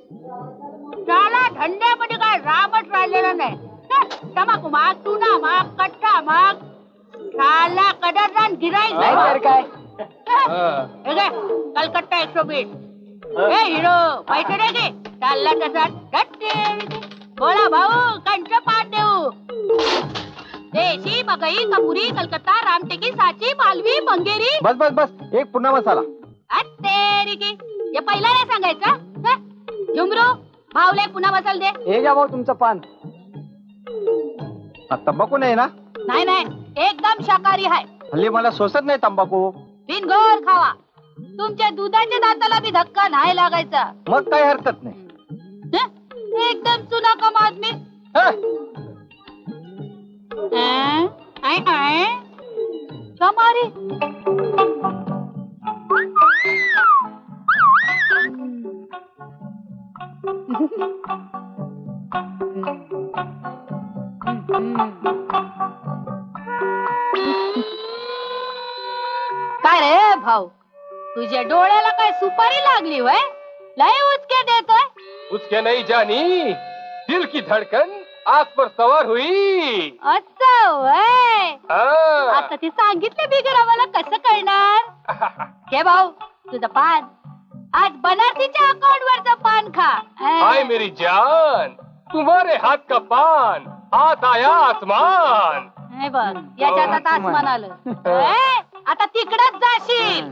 त्याला धंद्यामध्ये काय रामच राहिलेला नाही. तंबाखू माग, चुना माग, कट्टा माग, शाला कदरदान गिराईक नाही काय कलकत्ता 120. ए हिरो पैसे दे की. चालला तसा बोला भाऊ कंच पाठ देऊ. देशी मगई कपुरी कलकत्ता रामटेकी सांची मालवी मंगेरी. बस बस बस एक पुन्हा मसाला. तेरी की हे पहिला नाही सांगायचं. झुमरू भाऊला एक पुन्हा मसाला दे. हे घ्या भाऊ तुमचं पान. तंबाखू नाही ना? नाही नाही एकदम शाकाहारी आहे. हल्ली मला सोसत नाही तंबाखू. बिनगोर खावा. तुमच्या दुधाच्या दाताला बी धक्का नाही लागायचा. मग काही हरकत नाही. एकदम चुना कम आदमी. कमारी काय रे भाऊ, तुझ्या डोळ्याला काय सुपारी लागली वय? लय उचके देतोय. उसके नहीं जानी दिल की धड़कन आग पर सवार हुई. असं वय. हाँ. आता ते सांगितले बिगर आम्हाला कसं कळणार? घे भाऊ तुझं पान. आज बनारसीच्या अकाउंट वरचं पान खा. हाय मेरी जान तुम्हारे हाथ का पान हाथ आया आसमान. हे बघ याच्यात आता आसमान आलं. आता तिकडच जाशील.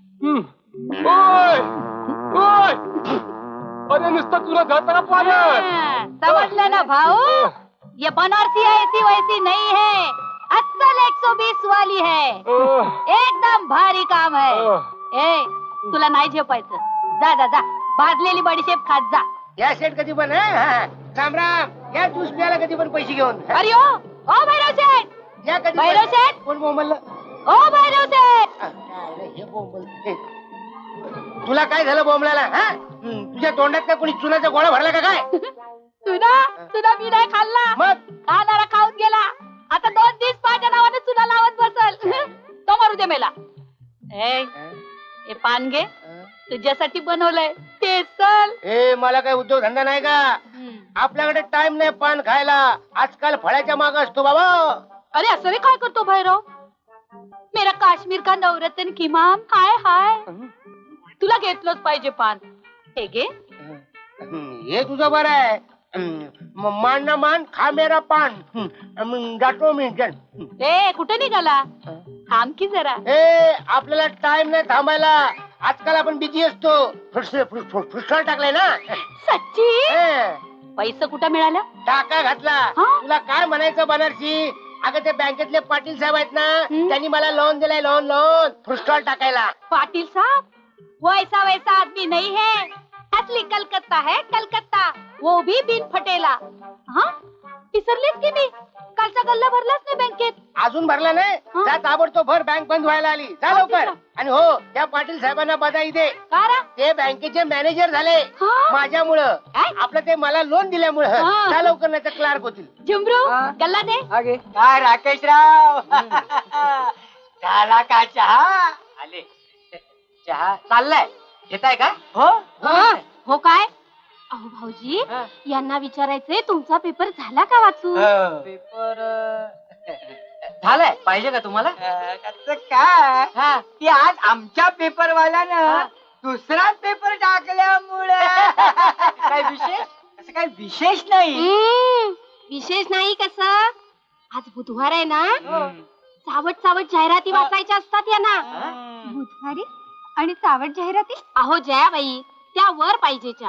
ओय ओय अरे नुसतं तुला जाताना पान. समजलं ना भाऊ? ये बनारसी ऐसी वैसी नहीं है. अस्सल 120 वाली है. एकदम भारी काम है. ए तुला नाही झेपायचं. जा जा जा भाजलेली बडीशेप खात जा. या सेट कधी पण राम राम या ज्यूस प्यायला कधी पण पैसे घेऊन. अरे ओ भैरव शेठ. या कधी भैरव शेठ. कोण बोंबल? ओ भैरव शेठ. हे बोंबल. तुला काय झालं बोंबलाला? तुझ्या तोंडात काय कोणी चुनाचा गोळा भरला का काय? तुला मी नाही खाल्ला. मग खाणारा खाऊन गेला. आता 2 दिवस माझ्या नावाने चुना लावत बसल. तो मारू दे मेला. ए पान घे. तुझ्यासाठी बनवलंय ते चल. मला काय उद्योग धंदा नाही का? आपल्याकडे टाइम नाही पान खायला. आजकाल फळाच्या माग असतो बाबा. अरे असं रे काय करतो भैरव? मेरा काश्मीर का नवरत्न किमान. हाय हाय तुला घेतलंच पाहिजे पान. हे घे. हे तुझं बरं आहे. मान ना मान खा मेरा पान. जातो मी. ए कुठे निघाला? थांब की जरा. आपल्याला टाइम नाही थांबायला. आजकाल आपण बिझी असतो. फुटसॉल टाकलाय ना. सच्ची? पैसे कुठं मिळालं? टाका घातला. तुला काय म्हणायचं बनारसी? अगं ते बँकेतले पाटील साहेब आहेत ना, त्यांनी मला लोन दिलाय. लोन फुटसॉल टाकायला. पाटील साहब वैसा वैसा आदमी नहीं है. असली कलकत्ता है कलकत्ता. वो भी बिन फटेला. हाँ विसरलीस की मी? कालचा गल्ला भरलाच नाही बँकेत. अजून भरला नाही? जा ताबडतोब भर. बँक बंद व्हायला आली. जा लवकर. आणि हो त्या पाटील साहेबांना बधाई दे. ते बँकेचे मॅनेजर झाले माझ्यामुळं. आपलं ते मला लोन दिल्यामुळं. जा लवकर नाही तर क्लार्क होतील. झुमरू गल्ला दे. काय राकेशराव झाला का चहा? आले चहा चाललाय. घेताय का? हो काय? अहो भाऊजी यांना विचारायचंय तुमचा पेपर झाला का वाचून? पेपर झालाय. पाहिजे का तुम्हाला? काय की आज आमच्या पेपरवाल्यानं दुसरा पेपर टाकल्यामुळे काय विशेष? असं काय विशेष नाही. विशेष नाही कसं? आज बुधवार आहे ना. सावट सावट जाहिराती वाचायच्या असतात यांना. बुधवारी आणि सावट जाहिराती? अहो जयाबाई त्या वर पाहिजेच्या.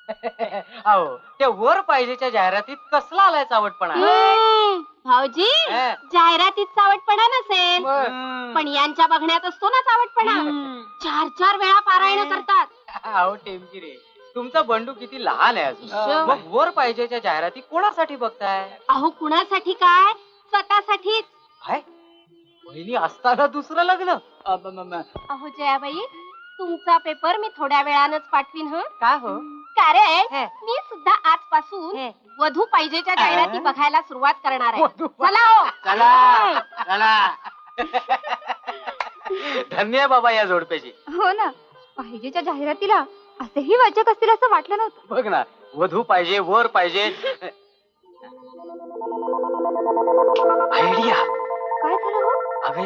अहो त्या वर पाहिजेच्या जाहिरातीत कसला आलाय चावटपणा? भाऊजी जाहिरातीत चावटपणा नसेल पण यांच्या बघण्यात असतो ना चावटपणा. 4-4 वेळा पारायण करतात. अहो टेमकी रे तुमचा बंडू किती लहान आहे अजून. मग वर पाहिजेच्या जाहिराती कोणासाठी बघताय? अहो कुणासाठी काय स्वतःसाठीच. काय बहिणी असताना दुसरं लग्न? अहो जयाबाई तुमचा पेपर मी थोड्या वेळानच पाठवीन. का हो? कारण मी सुद्धा आजपासून वधू पाहिजेच्या जाहिराती बघायला सुरुवात करणार आहे. चला हो चला चला. धन्य बाबा या जोडप्याची. हो ना पाहिजेच्या जाहिरातीला असेही वाचक असतील असं वाटलं नव्हतं. बघ ना, वधू पाहिजे, वर पाहिजे.